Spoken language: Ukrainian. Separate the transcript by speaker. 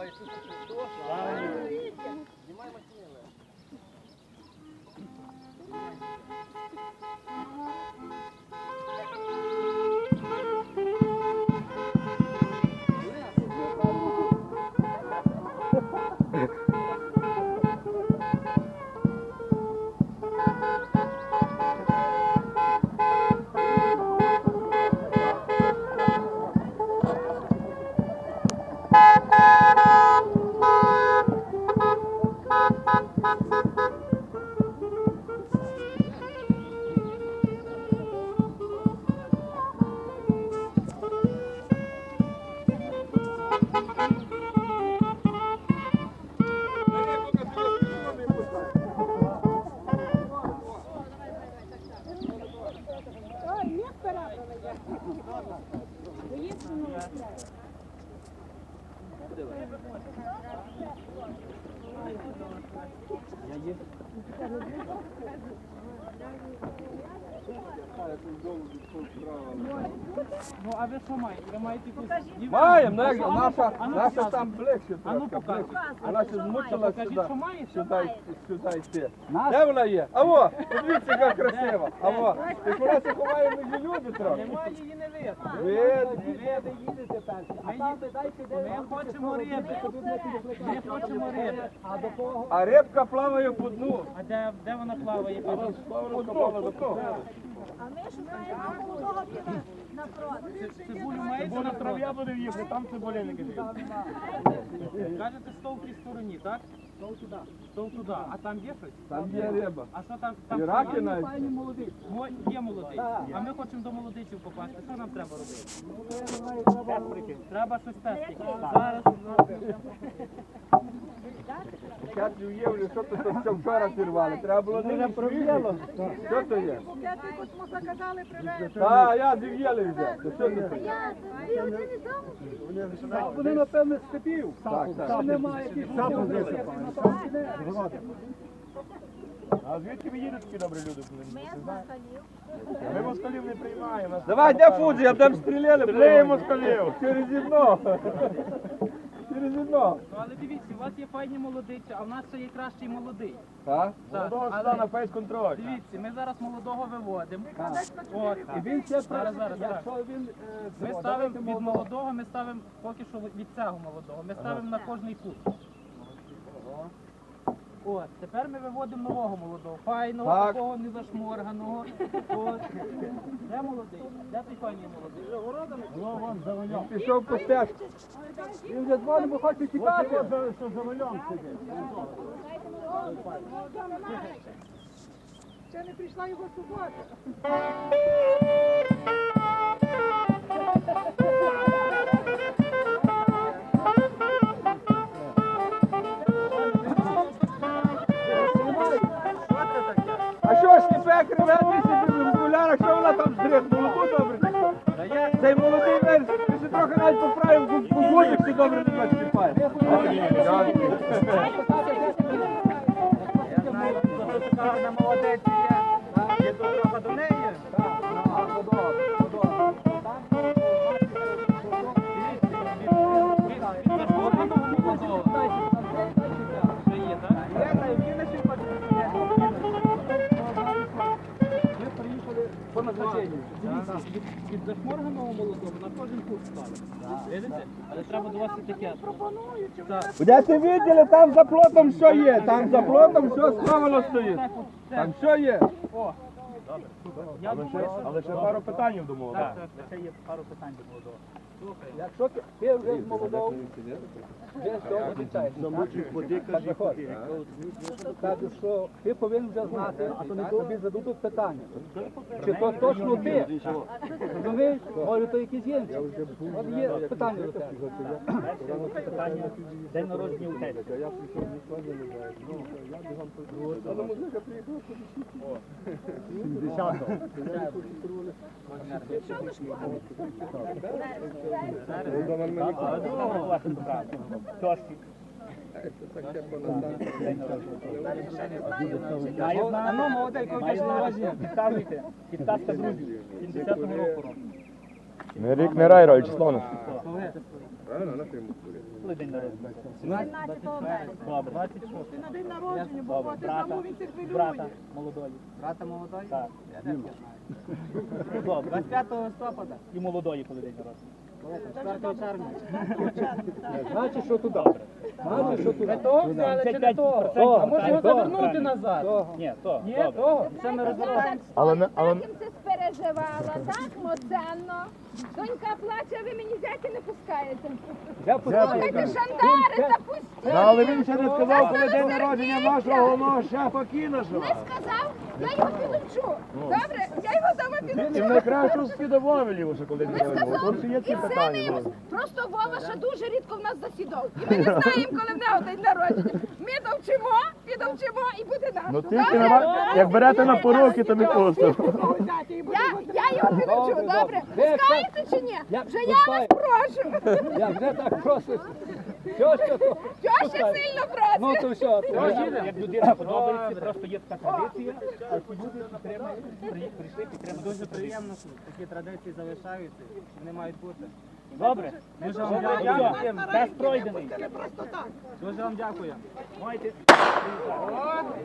Speaker 1: Ну, а ви що маєте? Ви маєте якусь...
Speaker 2: Маємо, наша там ближче трошки. Вона ще змучила сюди йти. Де вона є? Аво, подивіться, яка красива. Аво, ти вона се ховає між люди трохи.
Speaker 1: Немає її не видно. Ми хочемо риби. Ми хочемо риби.
Speaker 2: А рибка плаває по дну.
Speaker 1: А де вона плаває?
Speaker 2: По дну.
Speaker 3: А ми шукаємо молодого піва на фронт.
Speaker 1: Цибулю маєте на траві?
Speaker 4: Я буду їхати, там цибулинники живуть.
Speaker 1: Кажете, стов в тій стороні, так? Стов туди. Стов туди. А там є щось?
Speaker 2: Там є риба.
Speaker 1: А що там?
Speaker 2: І раки навіть.
Speaker 1: Є молодий. А ми хочемо до молодичів попасти. Що нам треба робити? Треба щось тестити. Зараз.
Speaker 2: Я не уявлю, що то що вчора зірвали. Треба було не проб'яло. Що то є? Так, я зів'яли вже. Що це?
Speaker 4: Вони, напевно, з степів.
Speaker 2: Так.
Speaker 4: Там немає якихось. А звідки ви їдете такі добрі люди?
Speaker 3: Ми з москалів.
Speaker 4: Ми москалів не приймаємо.
Speaker 2: Давай, де Фуджі, я там стріляли.
Speaker 4: Стріляє москалів.
Speaker 2: Через вікно. Через вікно.
Speaker 1: Ну, але дивіться, у вас є файні молодиці, а в нас ще є кращий молодий.
Speaker 2: Так?
Speaker 1: Так,
Speaker 4: Молодого сюди на фейс-контроль.
Speaker 1: дивіться, ми зараз молодого виводимо. От.
Speaker 4: І він ще
Speaker 1: Зараз.
Speaker 4: якщо він...
Speaker 1: Ми ставимо від молодого, ми ставимо поки що від цього молодого. Ми ставимо на кожний кут. От, тепер ми виводимо нового молодого, файного,
Speaker 2: Так.
Speaker 1: такого незашморганого. От. Де молодий? Де той файний молодий?
Speaker 2: Пішов по стежку.
Speaker 4: Він вже дзвонить, бо хоче тікати. Що за рулем сидить.
Speaker 3: Ще не прийшла його субота.
Speaker 2: А що ж ніфе креветний собі в окулярах, що вона там здрихнула? Ну добре. Цей молодий верс, ти ще трохи навіть поправив гудик, ти добре не бачиш чіпає.
Speaker 1: Я знаю, що така гарна молодець є. Є дорога до неї. Від зашморганого молодого на кожен кут ставить. Видите? Але треба до вас і таке.
Speaker 2: Де ти виділи, там за плотом що є? Там за плотом що сховано стоїть? Там що є?
Speaker 1: Я думаю, що...
Speaker 4: Але ще пару питань думав.
Speaker 1: Так, ще є пару питань до молодого.
Speaker 4: Якщо ти вже з молодого, вже з того обіцяєш. Каже, що ти повинен вже знати, а то не тобі зададуть питання. Чи то точно ти? Розумієш? Може то якісь інші. От є питання до тебе.
Speaker 1: День народження у тебе. А ну, молодий, коли день народження, підказуйте. Підказка друзів. 70-го року.
Speaker 5: Не рік, не рай, роль, число нас.
Speaker 4: Коли день народження?
Speaker 3: 17 березня.
Speaker 4: Добре. 26.
Speaker 3: Ти на день народження,
Speaker 4: Добре.
Speaker 3: бо ти
Speaker 4: Брата.
Speaker 3: забув, він тебе
Speaker 4: Брата
Speaker 3: хвилює.
Speaker 4: молодої.
Speaker 1: Брата молодої?
Speaker 4: Так.
Speaker 1: Я не знаю.
Speaker 4: Добре.
Speaker 1: 25 листопада.
Speaker 4: І молодої, коли день народження.
Speaker 1: 4 червня.
Speaker 4: Значить, що туди. Значить, що туди.
Speaker 1: Того взяли чи не того? А може його завернути назад?
Speaker 4: Ні, то.
Speaker 1: Ні,
Speaker 4: Добре.
Speaker 1: того. Це ми розвертаємося.
Speaker 5: Але не, але
Speaker 6: Так їм це спереживала, так моценно. Донька плаче, ви мені зяті не пускаєте.
Speaker 4: Я пускаю.
Speaker 6: Слухайте, жандари, та пустіть.
Speaker 5: але він ще не сказав, коли день народження нашого головного шефа Кінашева.
Speaker 6: Не сказав, я його підучу. Добре, я його дома
Speaker 5: І
Speaker 6: підучу.
Speaker 5: найкращу скидововілі, що коли
Speaker 6: Не
Speaker 5: не народження.
Speaker 6: сказав,
Speaker 5: Тут ще є
Speaker 6: і
Speaker 5: ці
Speaker 6: все ми
Speaker 5: питання.
Speaker 6: йому. Просто Вова ще дуже рідко в нас засідав. І ми не знаємо, коли в нього день народження. Ми довчимо, підовчимо і буде наш.
Speaker 5: Ну тільки як берете на поруки, то не пустимо.
Speaker 6: Я його підучу, добре? Пускаєте чи ні?
Speaker 4: Я
Speaker 6: Вже я вас
Speaker 4: пускаю.
Speaker 6: прошу.
Speaker 4: Я вже так просто. Що?
Speaker 6: Що ще сильно
Speaker 4: Ну
Speaker 6: прошу?
Speaker 4: то що? Як людина подобається, просто є така традиція, а ці люди підтримують, прийшли підтримати.
Speaker 1: Дуже приємно, що такі традиції залишаються. Вони мають бути.
Speaker 4: Добре?
Speaker 1: Дуже вам дякую.
Speaker 4: Тест пройдений.
Speaker 1: Дуже вам дякую.
Speaker 4: Маєте.